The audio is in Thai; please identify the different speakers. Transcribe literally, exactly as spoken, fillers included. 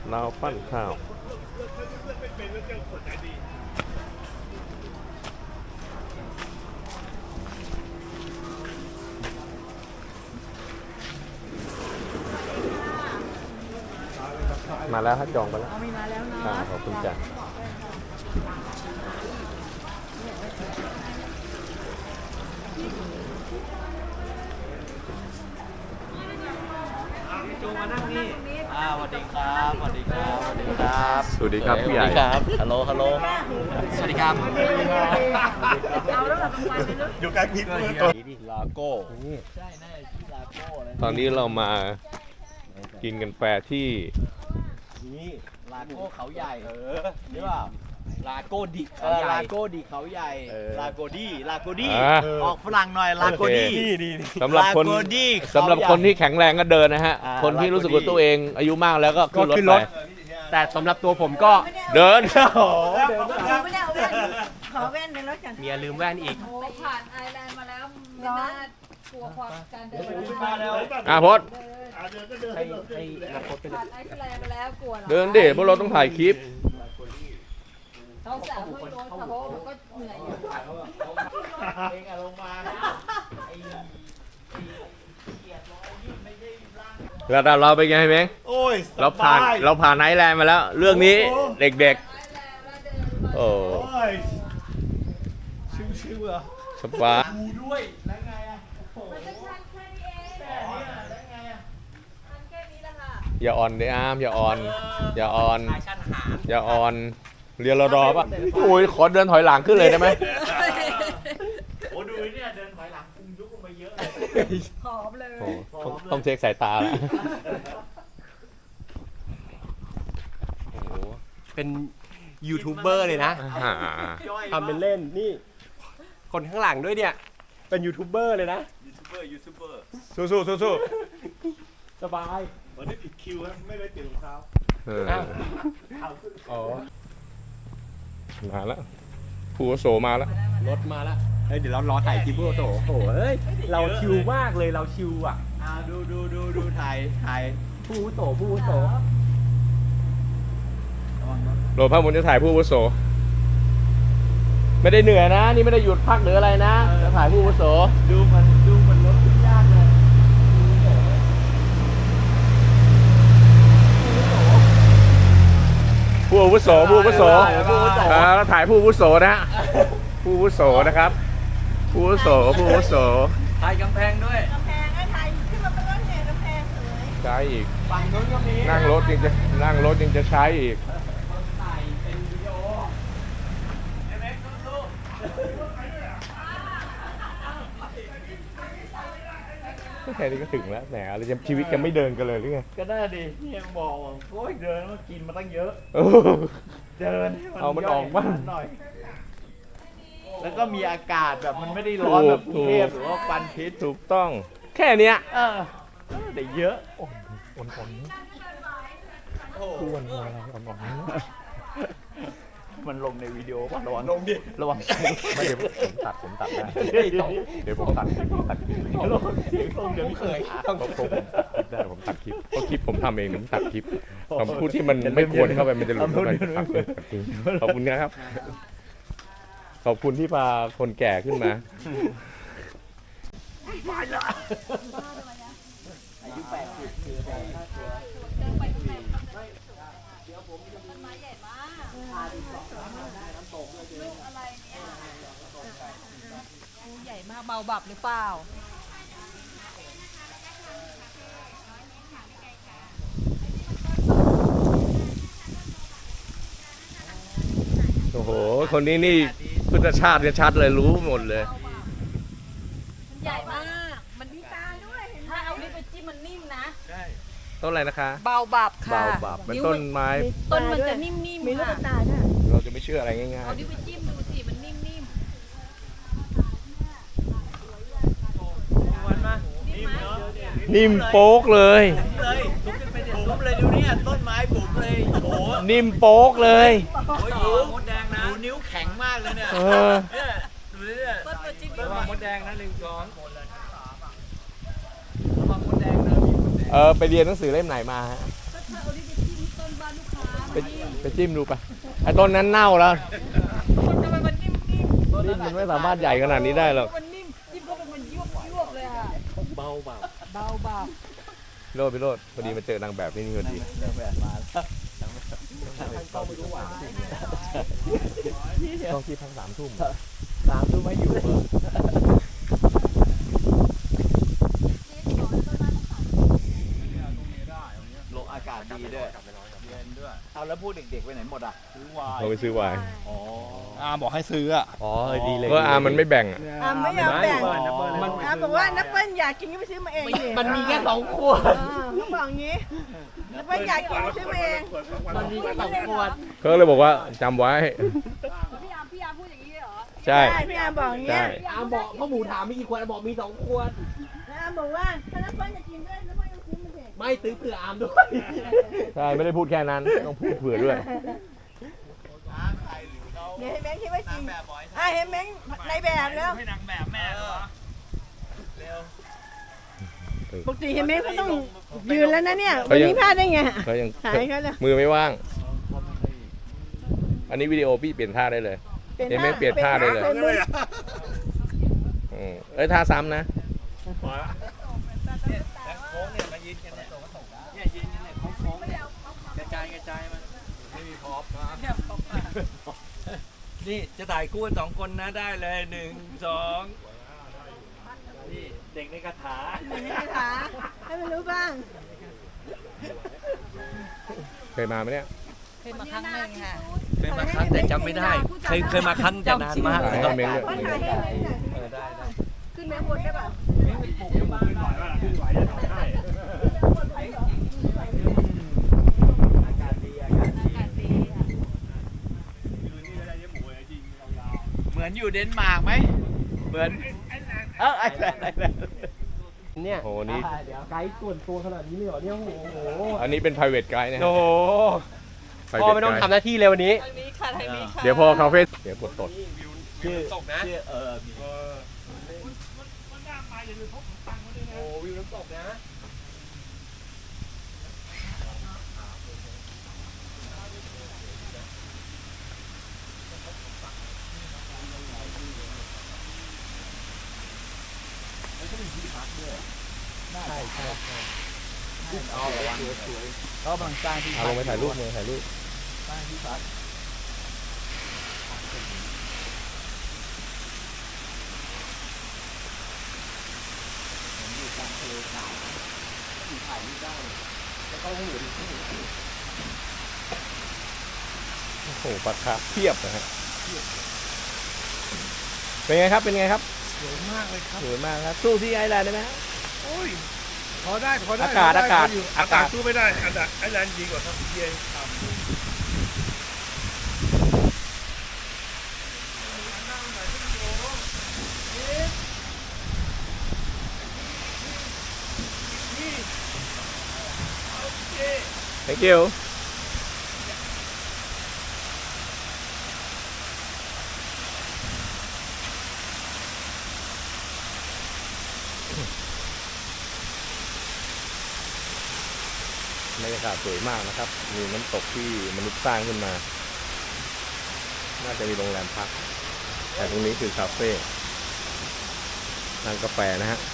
Speaker 1: เราปั้นข้าวมาแล้วครับจองไปแล้ว
Speaker 2: มีมาแล้วเนาะ
Speaker 1: ขอบคุณจ้ะ
Speaker 3: จูมานั่งนี่อ่าสวัสดีครับสวัสดีครับสวัสดีครับ
Speaker 1: สวัสดีครับพี่ใหญ่
Speaker 3: ครับฮัลโหลฮัลโหลสวัสดีครับ
Speaker 2: เอาแล้วแบบวันไปเลย
Speaker 3: อยู่กลางพิษตัวนี้ลาโก้ใช่แน่ที่ลาโก้เลย
Speaker 1: ตอนนี้เรามากินกันแฟร์ที่
Speaker 3: นี่ลาโก้เขาใหญ่เออใช่ป่ะลาโก้ดิเขาใหญ่ลาโก้ดิเขาใหญ่ลาโกดี้ลาโกดี้ออกฝรั่งหน่อยลาโกดี้
Speaker 1: สำหรับคนสำหรับคนที่แข็งแรงก็เดินนะฮะคนที่รู้สึกว่าตัวเองอายุมากแล้วก็ขึ้นรถไป
Speaker 4: แต่สำหรับตัวผมก็
Speaker 1: เดิน
Speaker 2: ไม่ได้เอาแว่นขอแว่นในรถกัน
Speaker 4: เมียลืมแว่นอีก
Speaker 5: โอ้ผ่านไอแลนด์มาแล้วไม่น่ากลัวความการเดิน
Speaker 1: อ่ะพด
Speaker 4: ให้ให้นักพจน์ไปเลย
Speaker 5: ผ่านไอแลนด์มาแล้วกลัวเหรอ
Speaker 1: เดินดิพวกเราต้องถ่ายคลิป
Speaker 5: เขาสาวไม่โดนเขามันก็เหนื่อยอยู่
Speaker 3: เองอะลงมา
Speaker 1: ระดับเราเป็นไงเม้ง
Speaker 3: โอ้ย
Speaker 1: เราผ่านเราผ่านไอแลนด์มาแล้ว เรื่องนี้เด็กๆโอ้
Speaker 3: ยชิวๆเหรอ
Speaker 1: สบาย
Speaker 3: ดูด้วยแล้วไงอะ
Speaker 5: มันก็ชันแค่นี้เองแต่เนี่ยแล้วไงอะชันแค่นี้แหละค่ะ
Speaker 1: อย่าอ่อนเดอ้ามอย่าอ่อนอย่าอ่อนอย่าอ่อนเรียนรอดอป่ะโอ้ยขอเดินถอยหลังขึ้นเลยได้ไหม
Speaker 3: โอ้ดูเนี่ยเดินถอยหลังคุมยุบลงมาเยอะ
Speaker 5: หอมเลย
Speaker 1: ต้องเช็คสายตาแล้ว
Speaker 4: โอ้โหเป็นยูทูบเบอร์เลยนะทำเป็นเล่นนี่คนข้างหลังด้วยเนี่ยเป็นยูทูบเบอร์เลยนะ
Speaker 3: ยูทูบเบอร์ยูทูบเบอร์
Speaker 1: สู้สู้สู้สู้
Speaker 4: สบาย
Speaker 3: วันนี้ผิดคิวครับไม่ได้เปลี่ยนรองเท้า
Speaker 1: อ๋อมาแล้วผู้โสมาแล้ว
Speaker 4: รถมาแล้วเฮ้ยเดี๋ยวเรารอถ่ายคลิปผู้โสโอ้โหเฮ้ยเราชิวมากเลยเราชิวอ่ะ
Speaker 3: อ่าดูดูดูดูถ่ายถ่าย
Speaker 4: ผู้โสผู้โส
Speaker 1: โหลดภาพมันจะถ่ายผู้โสไม่ได้เหนื่อยนะนี่ไม่ได้หยุดพักหรืออะไรนะจะถ่ายผู้โส
Speaker 3: ดูมันดูมันรถขึ้นยากเลย
Speaker 1: ผู้อาวุโสผู้อาวุโสแล้วถ่ายผู้อาวุโสนะผู้อาวุโสนะครับผู้อาวุโสผู้อาวุโส
Speaker 3: ถ่ายกำแพงด้วย
Speaker 2: กำแพงไอ้ไทยขึ้นมาเป็นรถแห่กำแพงสวย
Speaker 1: ใช้อีก
Speaker 3: ฝั่งนู้นก็มี
Speaker 1: นั่งรถยังจะนั่งรถยังจะใช้อีก
Speaker 3: ถ่ายเป็นวิดีโอเอ็มเอ็กซ์สู้
Speaker 1: แค่นี้ก็ถึงแล้วแหมอะไรจะชีวิตจะไม่เดินกันเลยหรือไง
Speaker 3: ก็ได้ดินี่ยังบอกว่าโอ้ยเดินมากินมาตั้งเยอะเดิน
Speaker 1: เอามันออกบ้าง
Speaker 3: หน่อยแล้วก็มีอากาศแบบมันไม่ได้ร้อนแบบกรุงเทพหรือว่าควันพิษ
Speaker 1: ถูกต้องแค่เนี้ย
Speaker 3: เออแต่เยอะ
Speaker 1: อ่อนอ่อนอ่อนอ้วนอะไรอ่อนอ่อน
Speaker 3: มันลงในวิดีโอป่ะระวังลงดิระวัง
Speaker 1: ไม่เดี๋ยวผมตัดผมตัดได้เดี๋ยวผมตัดคลิปตัดคลิประ
Speaker 3: วังเสียงลงเดี๋ยวเคย
Speaker 1: ต้องผมตัดคลิปได้ผมตัดคลิปเพราะคลิปผมทำเองผมตัดคลิปคำพูดที่มันไม่ควรเข้าไปมันจะหลุดเข้าไปขอบคุณนะครับขอบคุณที่พาคนแก่ขึ้นมา
Speaker 3: อายุแปดสิบคืออะไร
Speaker 5: ต้นไม้ใหญ่มากลูกอะไรเนี่ยใหญ่มากเบาบับหรือเปล่า
Speaker 1: โอ้โหคนนี้นี่พุทธชาติชัดเลยรู้หมดเลย
Speaker 5: มันใหญ่มากมันมีตาด้วยถ้าเอาลิ้นไปจิ้มมันนิ่มนะ
Speaker 3: ใช่
Speaker 1: ต้นอะไรนะคะ
Speaker 5: เบาบับค่ะ
Speaker 1: เบาบับเป็นต้นไม้
Speaker 5: ต้นมันจะนิ่มๆ
Speaker 2: มีลูกตาด้วย
Speaker 1: เราจะไม่เชื่ออะไรง่ายๆ
Speaker 5: เอาลิ้นไปจิ้มดูสิมันนิ่มๆนิ่ม
Speaker 1: นิ่มโป๊กเลย
Speaker 3: เลยทุบขึ้นไปเนี่ยทุบเลยดูเนี่ยต้นไม้บุ๋มเลยโอ้
Speaker 1: นิ่มโป๊กเลย
Speaker 3: โอ้ยดูมดแดงนะดูนิ้วแข็งมากเลยเนี่ยเนี่ยดูเนี่ย
Speaker 5: ต้นตัวจริง
Speaker 3: ระวังมดแดงนะหนึ่งสองระวังมดแดงนะ
Speaker 1: เออไปเรียนหนังสือเล่มไหนมาฮะ
Speaker 5: ก็ถ้าเอาลิ้นไปจิ้มต้นบานุ
Speaker 1: ไปไปจิ้มดูไปไอ้ต้นนั้นเน่าแล้ว
Speaker 5: มันทำไมมันนิ่มๆ
Speaker 1: นี่มันไม่สามารถใหญ่ขนาดนี้ได้หรอก
Speaker 5: มันนิ่มจิ้มเข้าไปมันยวบยวบเลยอ่ะ
Speaker 4: เบาเบา
Speaker 5: เบาเบา
Speaker 1: โรดไปโรดพอดีมาเจอนางแบบที่นี่พอดี
Speaker 3: เรื่องแบบมาแล้ว
Speaker 4: ต้องไม่รู้หวาน
Speaker 1: ต้องที่พักสามทุ่ม
Speaker 3: สามทุ่มไม่อยู่เออลมอากาศดีด้วยเย็นด้วยเอาแล้วพูดเด็กๆไปไหนหมดอ่ะซื้อวาย
Speaker 1: เราไปซื้อไวน์
Speaker 3: อ๋อ
Speaker 6: อาบอกให้ซื้ออ่ะ
Speaker 4: อ๋อดีเลย
Speaker 1: เพราะอามันไม่แบ่งอะ
Speaker 2: อ่ะไม่ยอมแบ่ง
Speaker 3: มัน
Speaker 2: อ่ะบอกว่านับเปิ้ลอยากกินก็ไปซื้อมาเองดิ
Speaker 4: มันมีแค่สองขวด
Speaker 2: เออเขาบอกอย่างงี้นับเปิ้ลอยากกินก็ซื้อมาเอง
Speaker 4: มันมีแค่สองขวด
Speaker 1: เขาเลยบอกว่าจำไว้
Speaker 5: พี่ยามพี่ยามพูดอย่างนี้เหรอ
Speaker 1: ใช่
Speaker 2: ใช่พี่อาร์มบอกอย่าง
Speaker 1: ใช่
Speaker 2: เงี้ย
Speaker 4: อามบอกพ่อหมูถามมีกี่ขวดอามบอกมีสองขวด
Speaker 2: แล้วอาร์มบอกว่าถ้านับเปิ้ลจะกินด้วยนับเปิ้ลก็ซื้อมาเอง
Speaker 4: ไม่ซื้อเผื่ออามด้วย
Speaker 1: ใช่ไม่ได้พูดแค่นั้นต้องพูดเผื่อด้วย
Speaker 2: เดี๋ยวให้แม่งคิดว่าจริงอ่ะเห็นแม่งในแบบแล้ว
Speaker 6: ให้นางแบบแม่เหรอ
Speaker 2: ปกติเห็นแม่งก็ต้องยืนแล้วนะเนี่ยวันนี้พลาดได้ไง
Speaker 1: เขายัง
Speaker 2: หายเขาเลย
Speaker 1: มือไม่ว่าง อันนี้วิดีโอพี่เปลี่ยนท่าได้เลย เห็นไหมเปลี่ยนท่าได้เลย
Speaker 2: ป็นมือ
Speaker 1: อืมเอ้ยท่าซ้ำนะ
Speaker 6: โค้งเนี่ยมายืนกันเนี่ยเนี่ยยืนกันเนี่ยโค้งๆเนี่ยกระจายกระจายมันไม่มีพร็อพนะนี่จะถ่ายคู่กันสองคนนะได้เลยหนึ่งสองนี่เด็กในคาถา
Speaker 2: เหมือนในคาถาให้มันรู้บ้าง
Speaker 1: เคยมาไหมเนี่ย
Speaker 5: เคยมาครั้งหนึ่งค่ะ
Speaker 6: เคยมาครั้งแต่จำไม่ได้ เคยเคยมาครั้งแต่นานมาก
Speaker 1: ถ่าย
Speaker 6: เลยค
Speaker 1: ให้
Speaker 6: รับ
Speaker 1: เม้งด้วย
Speaker 2: ว่าถ่ายให้แม่งหน่อย
Speaker 6: เออได้ได้
Speaker 2: ขึ้นแม่บนได้ป่ะ
Speaker 3: อากาศดีอากาศดี
Speaker 5: อากาศดีค่ะ
Speaker 3: เหมือนอยู่เดนมาร์กไหมเหมือนเออไอ้แหละไอ้แหละ
Speaker 4: เนี่ย
Speaker 1: โอ้โหนี่
Speaker 4: เดี๋ยวไกด์ส่วนตัวขนาดนี้เลยเหรอเนี่ยโอ้โห
Speaker 1: อันนี้เป็น private guide นะฮะ
Speaker 4: โอ้โห
Speaker 1: private
Speaker 4: พ่อไม่ต้อง
Speaker 1: guide
Speaker 4: ทำหน้าที่เลยวันนี้
Speaker 5: ทางนี้ค่ะทางนี้ค่ะ
Speaker 1: เดี๋ยวพอคาเฟ่เดี๋ยวกดตด
Speaker 3: ชื่อชื่อเออมี
Speaker 4: โอ้วิวน้ำตกนะ
Speaker 3: เขากำลังสร้างที่
Speaker 1: เอาลงไปถ่ายรูปเลยถ่ายรูป
Speaker 3: สร้างที่พักผมอยู่กลางทะเลสาบอยู่ถ่ายรูปได้แล้วก็หูดิ
Speaker 1: โอ้โหปลาคาร์ฟเพียบนะฮะเป็นไงครับเป็นไงครับ
Speaker 6: สวยมากเลยครับ
Speaker 1: สวยมากครับสู้ที่ไอแลนด์ได้ไหมฮะ
Speaker 6: โอ้ยพอได้พอได้
Speaker 1: อากาศ
Speaker 6: พได้
Speaker 1: อากาศ
Speaker 6: พยู่
Speaker 1: อากาศ
Speaker 6: สู้ไม่ได้อากาศไอแลนด์ดีกว่าครับเย็นต่ำ
Speaker 1: thank you บรรยากาศสวยมากนะครับ มีน้ำตกที่มนุษย์สร้างขึ้นมา น่าจะมีโรงแรมพัก แต่ตรงนี้คือคาเฟ่ร้านกาแฟนะฮะ